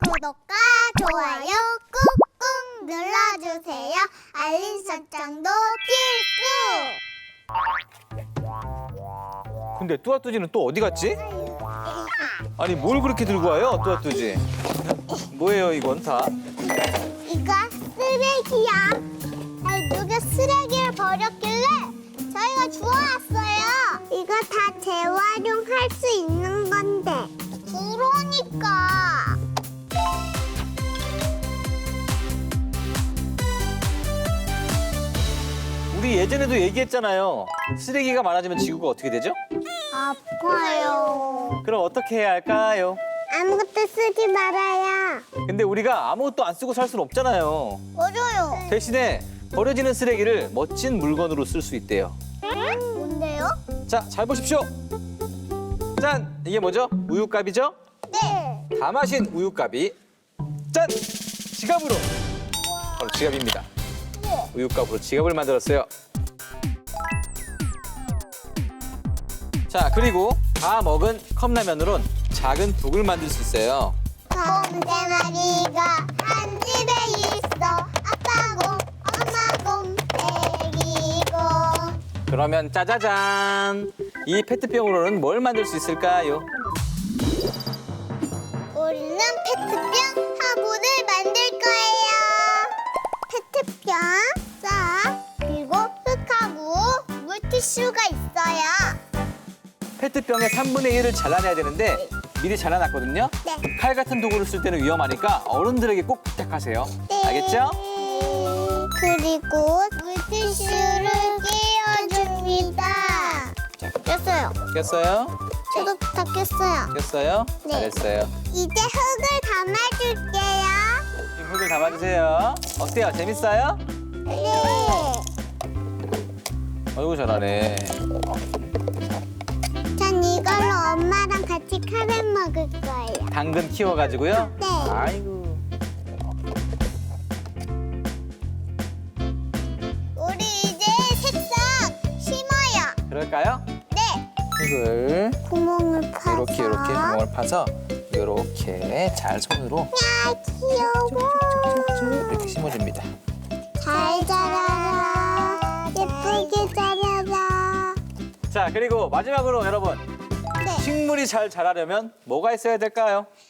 구독과 좋아요 꾹꾹 눌러주세요. 알림 설정도 필수. 근데 뚜아뚜지는 또 어디 갔지? 아니 뭘 그렇게 들고 와요, 뚜아뚜지? 뭐예요 이건 다? 이거 쓰레기야. 아니, 누가 쓰레기를 버렸길래 저희가 주워왔어요. 이거 다 재활용할 수 있는 건데. 그러니까. 우리 예전에도 얘기했잖아요. 쓰레기가 많아지면 지구가 어떻게 되죠? 아파요. 그럼 어떻게 해야 할까요? 아무것도 쓰지 말아요. 근데 우리가 아무것도 안 쓰고 살 수는 없잖아요. 맞아요. 대신에 버려지는 쓰레기를 멋진 물건으로 쓸 수 있대요. 뭔데요? 자, 잘 보십시오. 짠! 이게 뭐죠? 우유값이죠? 네. 다 마신 우유값이 짠! 지갑으로! 바로 지갑입니다. 우유값으로 지갑을 만들었어요. 자, 그리고 다 먹은 컵라면으로는 작은 북을 만들 수 있어요. 곰대마리가 한 집에 있어. 아빠 곰, 엄마 곰, 애기곰. 그러면 짜자잔! 이 페트병으로는 뭘 만들 수 있을까요? 우리는 페트병 화분을 만들 거예요. 페트병, 자, 그리고 흙하고 물티슈가 있어요. 페트병의 3분의 1을 잘라내야 되는데 미리 잘라놨거든요. 네. 칼 같은 도구를 쓸 때는 위험하니까 어른들에게 꼭 부탁하세요. 네. 알겠죠? 그리고 물티슈를 끼워줍니다. 꼈어요. 꼈어요? 저도 다 꼈어요. 꼈어요? 네. 잘했어요. 이제 흙을 담아줄게요. 지금 흙을 담아주세요. 어때요? 재밌어요? 네. 어이구 잘하네. 전 이걸로 엄마랑 같이 카레 먹을 거예요. 당근 키워가지고요? 네. 아이고. 우리 이제 색상 심어요. 그럴까요? 네. 흙을 구멍을 파서. 이렇게 구멍을 파서 이렇게 잘 손으로 야, 귀여워. 이렇게 심어줍니다. 잘 자라라. 예쁘게 자라라. 자, 그리고 마지막으로 여러분. 네. 식물이 잘 자라려면 뭐가 있어야 될까요?